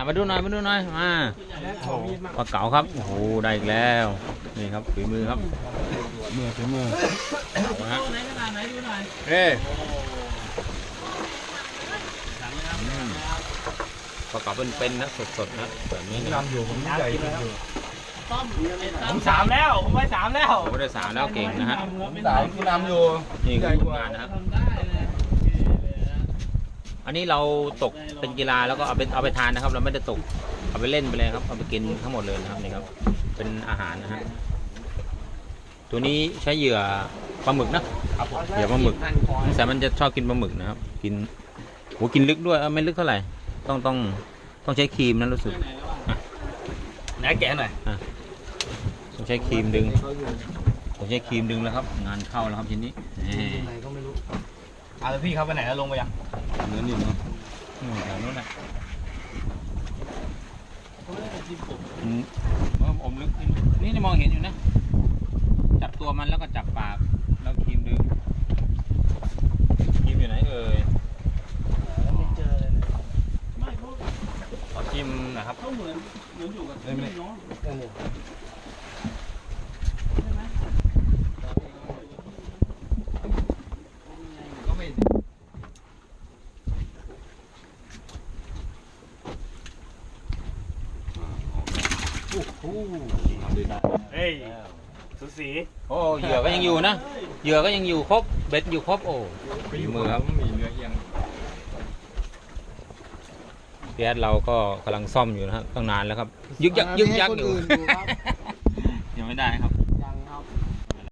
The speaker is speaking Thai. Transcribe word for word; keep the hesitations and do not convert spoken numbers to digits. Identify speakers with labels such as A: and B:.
A: มาดูหน่อยมาดูหน่อยมาปลาเก๋าครับโอ้โหได้อีกแล้วนี่ครับฝีมือครับมือฝีมือเอาฮะเฮ้ปลาเก๋าเป็นๆนะสดๆนะแบบนี้นำอยู่ผมใหญ่
B: ผมสามแล้วผมไปสามแล้ว
A: ผมได้สามแล้วเก่งนะฮะ
C: สามที่นำอยู่
A: นี่คืองานนะครับอันนี้เราตกเป็นกีฬาแล้วก็เอาไปเอาไปทานนะครับเราไม่ได้ตกเอาไปเล่นไปเลยครับเอาไปกินทั้งหมดเลยนะครับนี่ครับเป็นอาหารนะฮะตัวนี้ใช้เหยื่อปลาหมึกนะเหยื่อปลาหมึกแต่มันจะชอบกินปลาหมึกนะครับกินโหกินลึกด้วยไม่ลึกเท่าไหร่ต้องต้องต้องใช้ครีมนะรู้สึก
B: ไหนแกะหน่อย
A: ต้องใช้ครีมดึงต้องใช้ครีมดึงแล้วครับงานเข้าแล้วครับทีนี้
B: อ่าแล้วพี่เขาไปไหนแล้วลงไปยัง
A: เนื้อนิ่มเนาะอย่างนู้นแหละอืมอมลึกนี่นี่มองเห็นอยู่นะจับตัวมันแล้วก็จับปากแล้วครีมดึงครีมอยู่ไหนเอ่ย
B: ไม่เจอเลยไม่เขา
A: ขอชิมนะครับ
B: เขาเหมือนเหมือนอยู่กับพี่น้องเฮ้ยสุสี
A: โอ้เหยื่อก็ยังอยู่นะเหยื่อก็ยังอยู่ครบเบ็ดอยู่ครบโอ้ฝีมือครับมีเนื้อเอียงเบียดเราก็กำลังซ่อมอยู่นะครับตั้งนานแล้วครับยึกยักยึกยักอยู่ยังไม่ได้ครับ